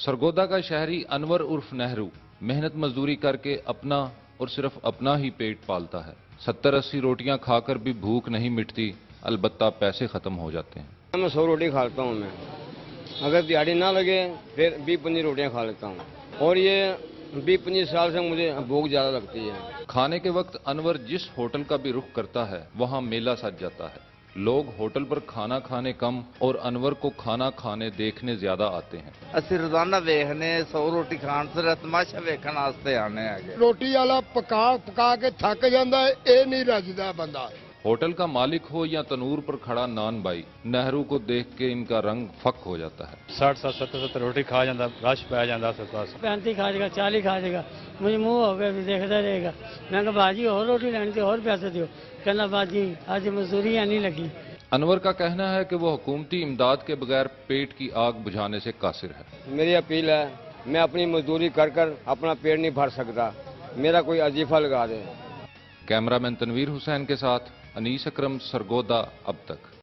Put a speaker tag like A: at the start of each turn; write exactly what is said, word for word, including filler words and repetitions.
A: सरगोदा का शहरी अनवर उर्फ नेहरू मेहनत मजदूरी करके अपना और सिर्फ अपना ही पेट पालता है। सत्तर अस्सी रोटियां खाकर भी भूख नहीं मिटती, अलबत्ता पैसे खत्म हो जाते हैं।
B: मैं सौ रोटी खा लेता हूँ। मैं अगर दिहाड़ी ना लगे फिर बीस पच्चीस रोटियां खा लेता हूँ, और ये बीस पच्चीस साल से मुझे भूख ज्यादा लगती है।
A: खाने के वक्त अनवर जिस होटल का भी रुख करता है वहां मेला सज जाता है। लोग होटल पर खाना खाने कम और अनवर को खाना खाने देखने ज्यादा आते हैं।
C: ਅਸੀਂ ਰੋਜ਼ਾਨਾ ਵੇਖਨੇ सौ रोटी खाण ਤੇ ਤਮਾਸ਼ਾ ਵੇਖਣ ਵਾਸਤੇ ਆਨੇ ਹੈਗੇ।
D: रोटी वाला पका पका के थक जाता है, ये नहीं रजदा बंदा।
A: होटल का मालिक हो या तनूर पर खड़ा नान भाई, नेहरू को देख के इनका रंग फक हो जाता है।
E: साठ साठ सत्तर सत्तर रोटी खा जाता, रश पै जाता आस-पास।
F: पैंती खा जाएगा, चालीस खा जाएगा, मुझे मुंह हो गया भी देखता रहेगा। मैं कहा बाजी और रोटी लेनी थी, और पैसे दो। कहना बाजी आज मजदूरी नहीं लगी।
A: अनवर का कहना है कि वो हुकूमती इमदाद के बगैर पेट की आग बुझाने से कासिर है।
B: मेरी अपील है, मैं अपनी मजदूरी कर कर अपना पेट नहीं भर सकता, मेरा कोई अजीफा लगा दे।
A: कैमरामैन तनवीर हुसैन के साथ अनीस अकरम, सरगोदा अब तक।